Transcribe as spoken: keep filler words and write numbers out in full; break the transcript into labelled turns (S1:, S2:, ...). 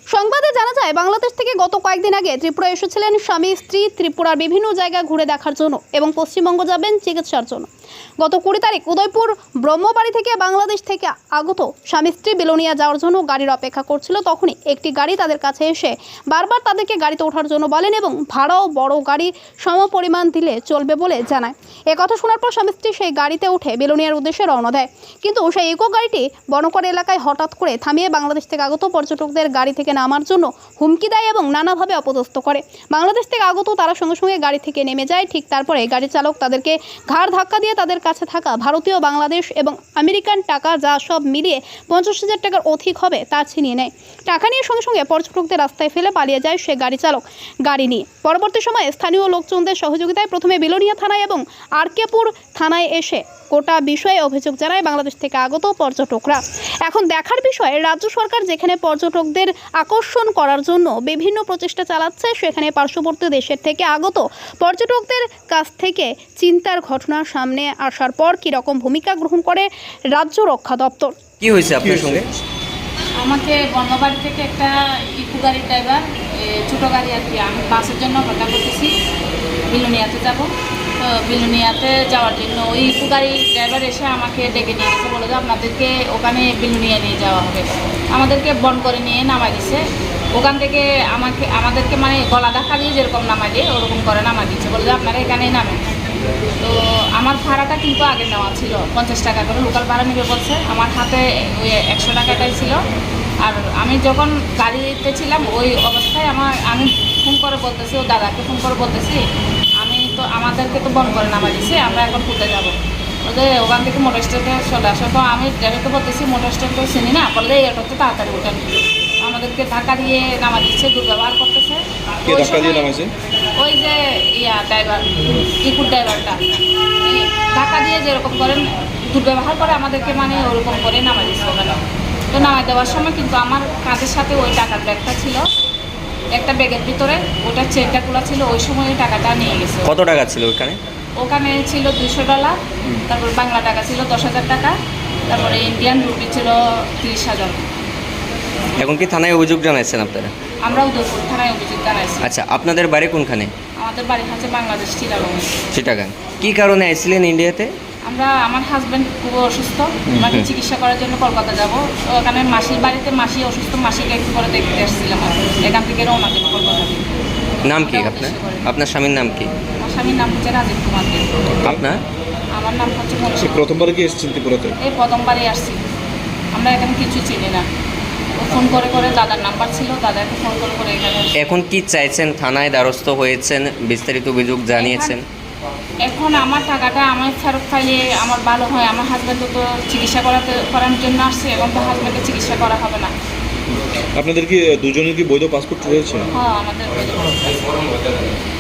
S1: সংবাদে জানা যায় বাংলাদেশ থেকে গত কয়েকদিন আগে ত্রিপুরা এসেছিলেন স্বামী স্ত্রী ত্রিপুরার বিভিন্ন জায়গা ঘুরে দেখার জন্য এবং পশ্চিমবঙ্গ যাবেন চিকিৎসার জন্য। গত কুড়ি তারিখ উদয়পুর ব্রহ্মবাড়ি থেকে বাংলাদেশ থেকে আগত স্বামী স্ত্রী বিলোনিয়া যাওয়ার জন্য গাড়ির অপেক্ষা করছিল। তখনই একটি গাড়ি তাদের কাছে এসে বারবার তাদেরকে গাড়িতে ওঠার জন্য বলেন এবং ভাড়াও বড় গাড়ি সম পরিমাণ দিলে চলবে বলে জানায়। একথা শোনার পর স্বামী স্ত্রী সেই গাড়িতে উঠে বিলোনিয়ার উদ্দেশ্যে রওনা দেয়, কিন্তু সেই ইকো গাড়িটি বনকর এলাকায় হঠাৎ করে থামিয়ে বাংলাদেশ থেকে আগত পর্যটকদের গাড়ি থেকে নামার জন্য হুমকি দেয় এবং নানাভাবে অপদস্থ করে। বাংলাদেশ থেকে আগত তারা সঙ্গে সঙ্গে গাড়ি থেকে নেমে যায়। ঠিক তারপরে গাড়ি চালক তাদেরকে ঘাড় ধাক্কা দিয়ে তাদের কাছে থাকা ভারতীয়, বাংলাদেশ এবং আমেরিকান টাকা যা সব মিলিয়ে পঞ্চাশ হাজার টাকার অধিক হবে তা ছিনিয়ে নেয়। টাকা নিয়ে সঙ্গে সঙ্গে পর্যটকদের রাস্তায় ফেলে পালিয়ে যায় সে গাড়ি চালক গাড়ি নিয়ে। পরবর্তী সময়ে স্থানীয় লোকজনদের সহযোগিতায় প্রথমে বিলোনিয়া থানায় এবং আরকেপুর থানায় এসে গোটা বিষয়ে অভিযোগ জানায় বাংলাদেশ থেকে আগত পর্যটকরা। এখন দেখার বিষয়, রাজ্য সরকার যেখানে পর্যটকদের আকর্ষণ করার জন্য বিভিন্ন প্রচেষ্টা চালাচ্ছে, সেখানে পার্শ্ববর্তী দেশের থেকে আগত পর্যটকদের কাছ থেকে চিন্তার ঘটনা সামনে আসার পর কী রকম ভূমিকা গ্রহণ করে রাজ্য রক্ষা দপ্তর।
S2: কি হয়েছে আপনার সঙ্গে?
S3: আমাকে বর্ণবাড়ি থেকে একটা ইকো গাড়ির ড্রাইভার, ছোটো গাড়ি আর কি, আমি বাসের জন্য অপেক্ষা করতেছি, বিলোনিয়াতে যাব। তো বিলোনিয়াতে যাওয়ার জন্য ওই ইকো গাড়ি ড্রাইভার এসে আমাকে ডেকে নিয়ে গেছে, বলে যে আপনাদেরকে ওখানে বিলোনিয়া নিয়ে যাওয়া হবে। আমাদেরকে বন করে নিয়ে নামাই দিচ্ছে। ওখান থেকে আমাকে আমাদেরকে মানে গলা দেখা দিয়ে যেরকম নামাই দিয়ে ওরকম করে নামাই দিচ্ছে, বলে যে আপনারা এখানেই নামেন। তো আমার ভাড়াটা কিন্তু আগে নেওয়া ছিল পঞ্চাশ টাকা করে, লোকাল ভাড়া নিবে বলছে। আমার হাতে ওই একশো টাকাটাই ছিল। আর আমি যখন গাড়িতে ছিলাম ওই অবস্থায় আমার আমি ফোন করে বলতেছি, ও দাদাকে ফোন করে বলতেছি, আমি তো আমাদেরকে তো বন্ধ করে নামা দিছি, আমরা এখন ঘুরতে যাবো। বলতে ওখান থেকে মোটর স্ট্যান্ডে চলে আসো। তো আমি ড্রাইভারকে বলতেছি মোটর স্ট্যান্ড তো চিনি না, বললে এটাতে তাড়াতাড়ি ওঠেন। আমাদেরকে ধাক্কা দিয়ে নামা দিচ্ছে, দুর্ব্যবহার করতেছে। ওই যে ইয়া ড্রাইভার, ইকুর ড্রাইভারটা ধাক্কা দিয়ে যেরকম করেন দুর্ব্যবহার করে আমাদেরকে, মানে ওরকম করে নামা দিচ্ছে ওখানে। তো নামাই দেওয়ার সময় কিন্তু আমার কাঁধের সাথে ওই টাকার ব্যাগটা ছিল, একটা ব্যাগের ভিতরে ওটার চেনটা খোলা ছিল। ওই সময় ওই টাকাটা নিয়ে গেছে।
S2: কত টাকা ছিল ওখানে?
S3: ওখানে ছিল দুশো ডলার, তারপর বাংলা টাকা ছিল দশ হাজার টাকা, তারপরে ইন্ডিয়ান রুপি ছিল তিরিশ হাজার।
S2: এখন কি থানায় অভিযোগ জানাইছেন আপনারা?
S3: আমরা উদয়পুর থানায় অভিযোগ জানাইছি।
S2: আচ্ছা, আপনাদের বাড়ি কোনখানে?
S3: আমাদের বাড়ি হচ্ছে বাংলাদেশ চিটাগং।
S2: চিটাগাং। কি কারণে আসছিলেন ইন্ডিয়াতে?
S3: আমরা আমার হাজব্যান্ড খুব অসুস্থ, আমাকে চিকিৎসা করার জন্য কলকাতা যাব। তো ওখানে মাসির বাড়িতে মাসি অসুস্থ, মাসিকে একটু করে দেখতে এসেছিলাম। এখান থেকে রওনা দেবো কলকাতা।
S2: নাম কি আপনার? আপনার স্বামীর নাম কি?
S3: আমার স্বামীর নাম হচ্ছে রাজীব কুমার।
S2: আপনার? আমার
S3: নাম হচ্ছে মনীষা।
S4: প্রথমবার কি এসেছেন ত্রিপুরাতে?
S3: এই প্রথমবারই আসছি। আমরা এখানে কিছু চিনি না। ফোন করে করে দাদার নাম্বার ছিল, দাদাকে ফোন করে করে এখানে।
S2: এখন কি চাইছেন? থানায় দ্বারস্থ হয়েছেন, বিস্তারিত অভিযোগ জানিয়েছেন?
S3: এখন আমার টাকাটা আমার ফেরত পাইলে আমার ভালো হয়। আমার হাজব্যান্ড তো চিকিৎসা করাতে করার জন্য আসছে, এবং তো হাজব্যান্ডের চিকিৎসা করা হবে না।
S4: আপনাদের কি দুজনের কি বৈধ পাসপোর্ট রয়েছে?
S3: হ্যাঁ, আমাদের বৈধ পাসপোর্ট।